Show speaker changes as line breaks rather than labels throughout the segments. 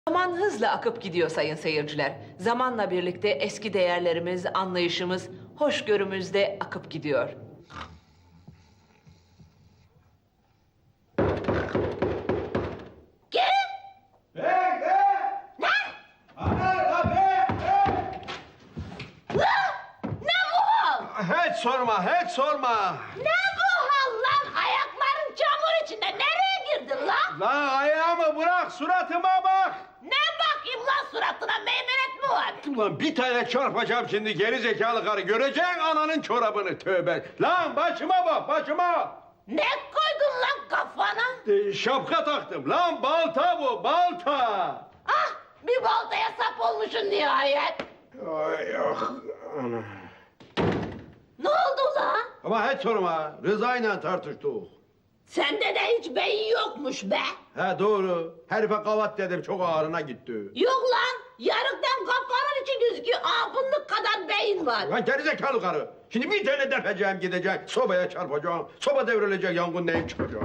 Zaman hızla akıp gidiyor sayın seyirciler. Zamanla birlikte eski değerlerimiz, anlayışımız, hoşgörümüz de akıp gidiyor.
Hiç sorma, hiç sorma.
Ne bu hal lan? Ayakların çamur içinde. Nereye girdin lan?
Lan ayağımı bırak, suratıma bak.
Ne bakayım lan suratına? Meymenet mi var?
Ulan bir tane çarpacağım şimdi geri zekalı karı. Göreceksin ananın çorabını, tövbe. Lan başıma bak, başıma.
Ne koydun lan kafana?
Şapka taktım. Lan balta bu, balta.
Ah, bir baltaya sap olmuşsun nihayet.
Ay ah, ana.
Ne oldu lan?
Ama hiç sorma, Rıza'yla tartıştık.
Sende de hiç beyin yokmuş be.
He doğru, herife kavat dedim, çok ağrına gitti.
Yok lan, yarıktan kafanın içi gözüküyor. Fındık kadar beyin var.
Lan geri zekalı karı. Şimdi bir tane defeceğim gidecek, sobaya çarpacağım. Soba devrilecek, yangın neyim çıkacak.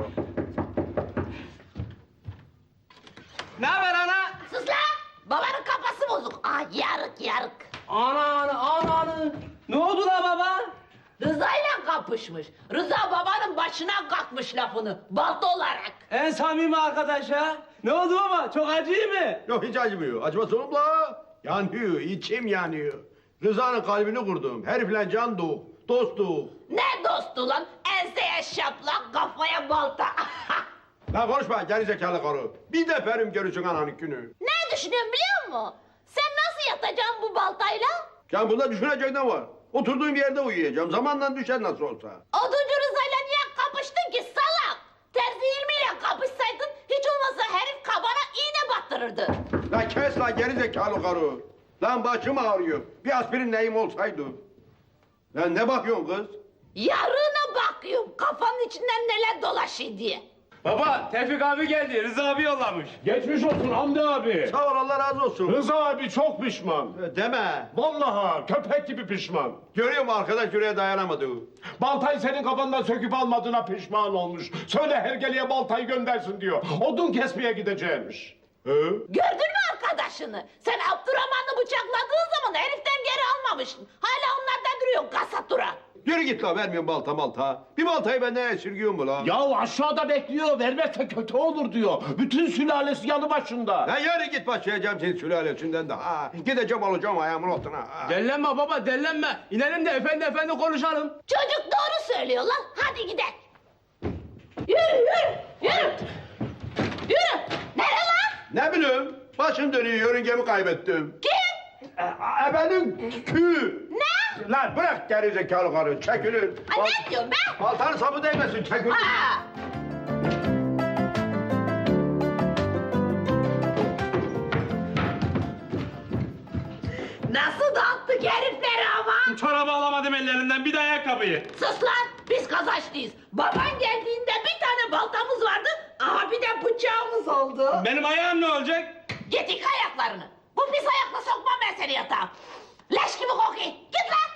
Ne haber ana?
Sus lan, babanın kafası bozuk. Yarık yarık.
Ana. Ne oldu la baba?
Rıza'yla kapışmış. Rıza babanın başına kalkmış lafını, balta olarak.
En samimi arkadaş ha. Ne oldu baba? Çok acıyor mı?
Yok hiç acımıyor. Acımasın oğlum la. Yanıyor, içim yanıyor. Rıza'nın kalbini kurdum. Herifle candık, dostuk.
Ne dostu lan? Enseye şaplak, kafaya balta.
Lan konuşma geri zekalı karı. Bir de perim görürsün ananın günü.
Ne düşünüyorsun biliyor musun? Sen nasıl yatacaksın bu baltayla?
Ya bunda düşünecek ne var? Oturduğum yerde uyuyacağım. Zamanla düşer nasıl olsa.
Oduncu Rıza'yla niye kapıştın ki salak? Terzi ilmiyle kapışsaydın hiç olmazsa herif kabana iğne battırırdı.
Lan kes lan geri zekalı karı. Lan başım ağrıyor. Bir aspirin neyim olsaydı. Lan ne bakıyorsun kız?
Yarına bakıyorum kafanın içinden neler dolaşıyor diye.
Baba Tevfik abi geldi. Rıza abi yollamış.
Geçmiş olsun Hamdi abi.
Sağ ol Allah razı olsun.
Rıza abi çok pişman.
Deme.
Vallahi köpek gibi pişman.
Görüyor musun arkadaş yüreğe dayanamadı.
Baltayı senin kafandan söküp almadığına pişman olmuş. Söyle hergeleye baltayı göndersin diyor. Odun kesmeye gideceğimiş.
Gördün mü arkadaşını? Sen Abdurrahman'ı bıçakladığın zaman heriften geri almamışsın. Hala onlarda duruyor kasatura.
Yürü git la vermiyorum balta malta. Bir baltayı benden esirgiyor mu la?
Ya aşağıda bekliyor vermezse kötü olur diyor. Bütün sülalesi yanı başında.
Lan yürü git başlayacağım senin sülalesinden de. Ha. Gideceğim alacağım ayağımın altına. Ha.
Dellenme baba dellenme. İnelim de efendi konuşalım.
Çocuk doğru söylüyor lan. Hadi gidelim. Yürü. Nereye lan?
Ne bileyim başım dönüyor yörüngemi kaybettim.
Kim?
Benim kü.
Ne?
Lan bırak geri zekalı karı çekilin.
Ay ne diyorsun be?
Baltanın sapı değmesin çekilin.
Ha! Nasıl dağıttık herifleri ama?
Çorabı alamadım ellerinden bir de ayakkabıyı.
Sus lan! Biz kazançlıyız. Baban geldiğinde bir tane baltamız vardı, bir de bıçağımız oldu.
Benim ayağım ne olacak?
Git yıka ayaklarını. Bu pis ayakla sokmam ben seni yatağa. Leş gibi kokuyor. Git lan!